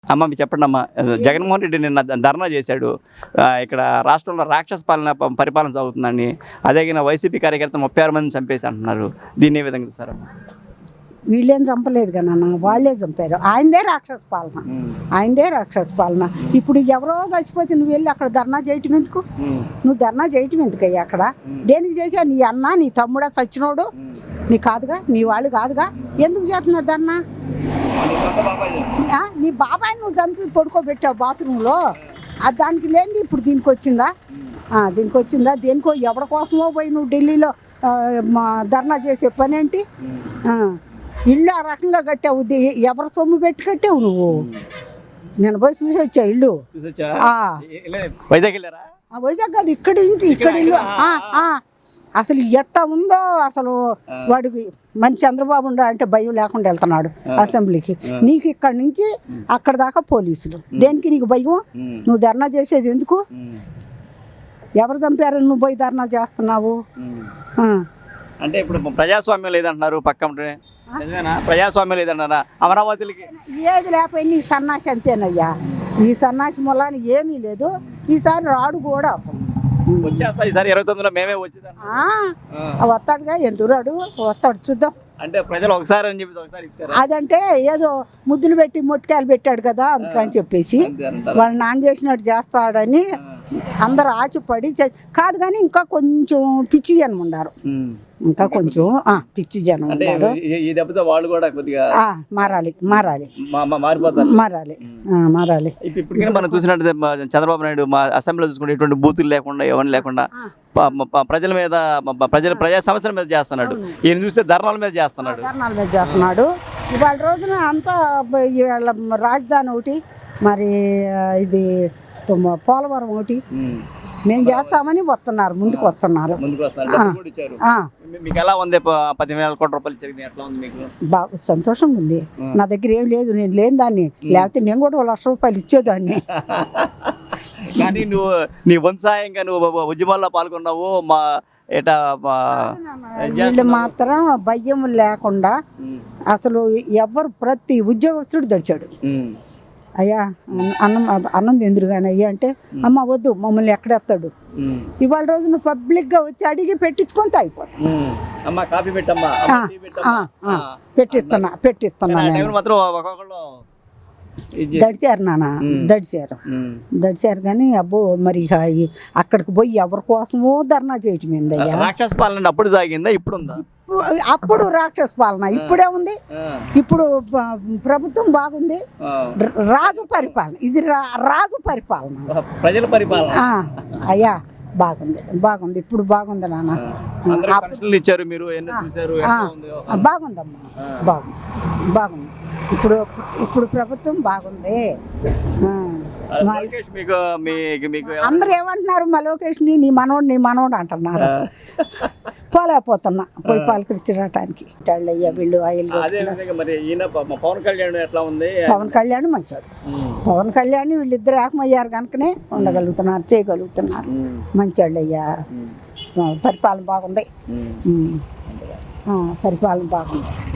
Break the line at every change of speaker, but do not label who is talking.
అమ్మ మీరు చెప్పండి అమ్మ, జగన్మోహన్ రెడ్డి నిన్న ధర్నా చేశాడు, ఇక్కడ రాష్ట్రంలో రాక్షస పరిపాలన సాగుతుందని. అదే వైసీపీ కార్యకర్తలు 36 మందిని చంపేసి అంటున్నారు. దీన్ని ఏ విధంగా చూస్తారమ్మా?
వీళ్ళేం చంపలేదు కదా నాన్న, వాళ్ళే చంపారు. ఆయనదే రాక్షస పాలన, ఆయనదే రాక్షస పాలన. ఇప్పుడు ఎవరో చచ్చిపోతే నువ్వు వెళ్ళి అక్కడ ధర్నా చేయటం ఎందుకు? నువ్వు ధర్నా చేయటం ఎందుకయ్యా అక్కడ? దేనికి చేసావు? నీ అన్న నీ తమ్ముడా చచ్చినోడు నీ కాదుగా, నీ వాళ్ళు కాదుగా, ఎందుకు చేస్తున్నావు ధర్నా? నీ బాబాయ్ నువ్వు చంపి పడుకోబెట్టావు బాత్రూంలో, దానికి లేనిది ఇప్పుడు దీనికి వచ్చిందా? దీనికి వచ్చిందా? దేనికో ఎవరి కోసమో పోయి నువ్వు ఢిల్లీలో ధర్నా చేసే పని ఏంటి? ఇల్లు ఆ రకంగా కట్టావు, ఎవరి సొమ్ము పెట్టి కట్టావు నువ్వు? నేను పోయి చూసి వచ్చా ఇల్లు. వైజాగ్ కాదు, ఇక్కడ ఇంటి, ఇక్కడ ఇల్లు. అసలు ఎట్టా ఉందో అసలు. వాడికి మంచి చంద్రబాబు అంటే భయం లేకుండా వెళ్తున్నాడు అసెంబ్లీకి. నీకు ఇక్కడ నుంచి అక్కడ దాకా పోలీసులు, దేనికి నీకు భయం? నువ్వు ధర్నా చేసేది ఎందుకు? ఎవరు చంపారని నువ్వు పోయి ధర్నా చేస్తున్నావు?
అంటే ఇప్పుడు ప్రజాస్వామ్యం లేదంటున్నారు, పక్కన ప్రజాస్వామ్యం లేదన్నారా అమరావతికి?
ఏది లేకపోయి నీ సన్నాసి అంతేనయ్యా. ఈ సన్నాసి మూలాన్ని ఏమీ లేదు. ఈసారి రాడు కూడా అసలు
వచ్చేస్తా. ఈసారి 29లో మేమే వచ్చేదా?
వస్తాడుగా, ఎందుకు రాడు? వస్తాడు, చూద్దాం.
అంటే ప్రజలు ఒకసారి అని చెప్పి ఒకసారి ఇచ్చారు.
అదంటే ఏదో ముద్దులు పెట్టి మొట్టికాయలు పెట్టాడు కదా అందుకని చెప్పేసి వాళ్ళు నాన్న చేసినట్టు చేస్తాడని అందరు ఆచిపడి కాదు. కానీ ఇంకా కొంచెం పిచ్చి జనం ఉండారు, ఇంకా కొంచెం పిచ్చి జనం ఉన్నారు.
ఈ దెబ్బతో వాళ్ళు కూడా కొద్దిగా
మారాలి, మారాలి,
మారిపోతారు,
మారాలి, మారాలి.
ఇప్పుడు మనం చూసినట్టు చంద్రబాబు నాయుడు మా అసెంబ్లీలో చూసుకుంటే ఎటువంటి బూతులు లేకుండా, ఎవరిని లేకుండా ప్రజల మీద, ప్రజా సమస్యల మీద చేస్తున్నాడు. ఈయన చూస్తే ధర్నాల మీద చేస్తున్నాడు,
ధర్నాల మీద చేస్తున్నాడు. ఇవాళ రోజున అంతా రాజధాని ఒకటి, మరి ఇది పోలవరం ఒకటి మేము చేస్తామని వస్తున్నారు, ముందుకు వస్తున్నారు.
మీకు ఎలా ఉంది? 10,000 కోట్ల రూపాయలు ఇచ్చారు, ఎట్లా ఉంది మీకు?
బాగా సంతోషంగా ఉంది. నా దగ్గర ఏం లేదు, నేను లేని దాన్ని, లేకపోతే నేను కూడా 1,00,000 రూపాయలు ఇచ్చేదాన్ని.
కానీ నువ్వు నీ వంతు సాయంగా నువ్వు ఉద్యమాల్లో పాల్గొన్నావు. మా ఏటా
వీళ్ళు మాత్రం భయం లేకుండా అసలు ఎవరు ప్రతి ఉద్యోగస్తుడు దడిచాడు. అయ్యా అన్నం తిందురుగానే అయ్యా అంటే, అమ్మ వద్దు మమ్మల్ని ఎక్కడెత్తాడు. ఇవాళ రోజున పబ్లిక్గా వచ్చి అడిగి పెట్టించుకొని తాగిపోతాం. పెట్టిస్తున్నా దడిచారు నాన్న, దడిచారు కానీ అబ్బో మరి అక్కడికి పోయి ఎవరి కోసమో ధర్నా చేయటం ఏందయ్యా?
రాక్షస పాలన అప్పుడు సాగిందా, ఇప్పుడు ఉందా?
అప్పుడు రాక్షస పాలన, ఇప్పుడే ఉంది. ఇప్పుడు ప్రభుత్వం బాగుంది, రాజు పరిపాలన. ఇది రాజు పరిపాలన,
ప్రజల పరిపాలన.
అయ్యా బాగుంది, బాగుంది, ఇప్పుడు బాగుంది నాన్న.
ఇచ్చారు మీరు,
బాగుందమ్మా, బాగుంది, బాగుంది. ఇప్పుడు ప్రభుత్వం బాగుంది. అందరూ ఏమంటున్నారు? మా లోకేష్ని నీ మనోడు అంటున్నారు. పోలేకపోతున్నా పోయి పాలకరించడానికి. వీళ్ళు పవన్ కళ్యాణ్ మంచోడు. పవన్ కళ్యాణ్ వీళ్ళిద్దరు ఏకమయ్యారు కనుకనే ఉండగలుగుతున్నారు, చేయగలుగుతున్నారు. మంచోళ్ళు అయ్యా. పరిపాలన బాగుంది, పరిపాలన బాగుంది.